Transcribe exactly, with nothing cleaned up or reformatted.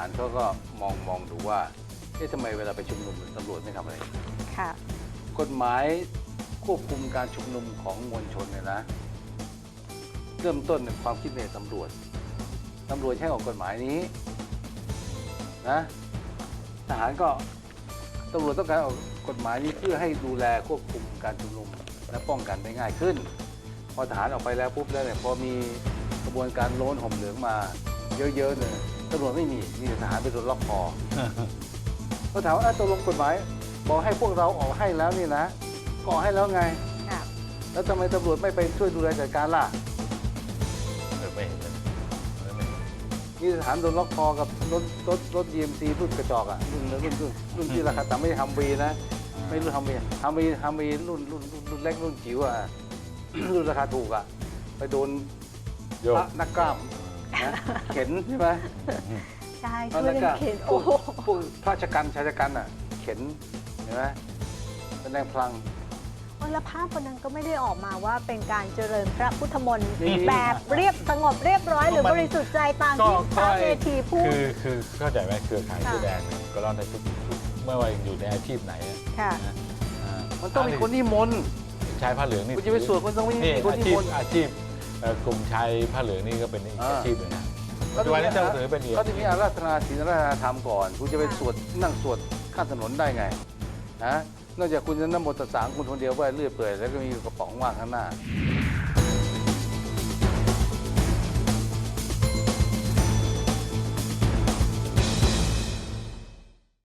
ารเขาก็มองมองดูว่าเอ๊ะทำไมเวลาไปชุมนุมตำรวจไม่ทำอะไรค่ะกฎหมายควบคุมการชุมนุมของมวลชนเนี่ยนะเริ่มต้นในความคิดในตำรวจตำรวจใช้ออกกฎหมายนี้นะทหารก็ตำรวจต้องการออกกฎหมายนี้เพื่อให้ดูแลควบคุมการชุมนุมและป้องกันได้ง่ายขึ้นพอทหารออกไปแล้วปุ๊บแล้วเนี่ยพอมีกระบวนการโล้นห่มเหลืองมาเยอะๆเนี่ยตำรวจไม่มีมีแต่ทหารไปโดนล็อกคอ เขาถามว่าตกลงกฎหมายบอกให้พวกเราออกให้แล้วนี่นะก็ออกให้แล้วไงค่ะแล้วทำไมตำรวจไม่ไปช่วยดูแลจัดการล่ะเออไม่เห็นเลยไม่เห็นนี่ทหารโดนล็อกคอกับรถรถรถ ยี เอ็ม ซี รุ่นกระจอกอ่ะรุ่นรุ่นรุ่นรุ่นที่ราคาต่ำไม่ใช่ฮัมวีนะไม่รุ่นฮัมวีฮัมวีฮัมวีรุ่นรุ่นรุ่นรุ่นเล็กรุ่นจิ๋วอ่ะ รุ่นราคาถูกอ่ะไปโดนโยพกระนักกล้ามนะเข็นใช่ไหมใช่พระช่วยนักเล่กล้านเข็นพโอ้วกโหพวกพระชกันชายชกันอ่ะเข็นเห็นไหมแสดงพลังแล้วภาพคนนั้นก็ไม่ได้ออกมาว่าเป็นการเจริญพระพุทธมนต์นี่แบบเรียบสงบเรียบร้อยหรือบริสุทธิ์ใจตามที่พระเวทีพูดคือคือเข้าใจไหมเครือข่ายค่ะเสื้อแดงเนี่ยก็ร้อนในทุกทุกไม่ว่าอยู่ในอาชีพไหนอะค่ะนะอ่ามันต้องมีคนนิมนต์ชายผ้าเหลืองนี่คุณจะไปสวดคุณต้องมีนี่คนอานิชีมพนต์อาชีพเอ่อกลุ่มชายผ้าเหลืองนี่ก็เป็นอีกอ่าอาชีพหนึ่งนะปัจจุบันนี้เจ้าถือเป็นอีกเขาจะมีอาราธนาศีลอาราธนาธรรมก่อน คุณจะไปค่ะสวดนั่งสวดข้ามถนนได้ไงนะนอกจากคุณจะนโมตัสสะคุณคนเดียวว่าเลื่อยเปื่อยแล้วก็มีกระป๋องว่างข้างหน้า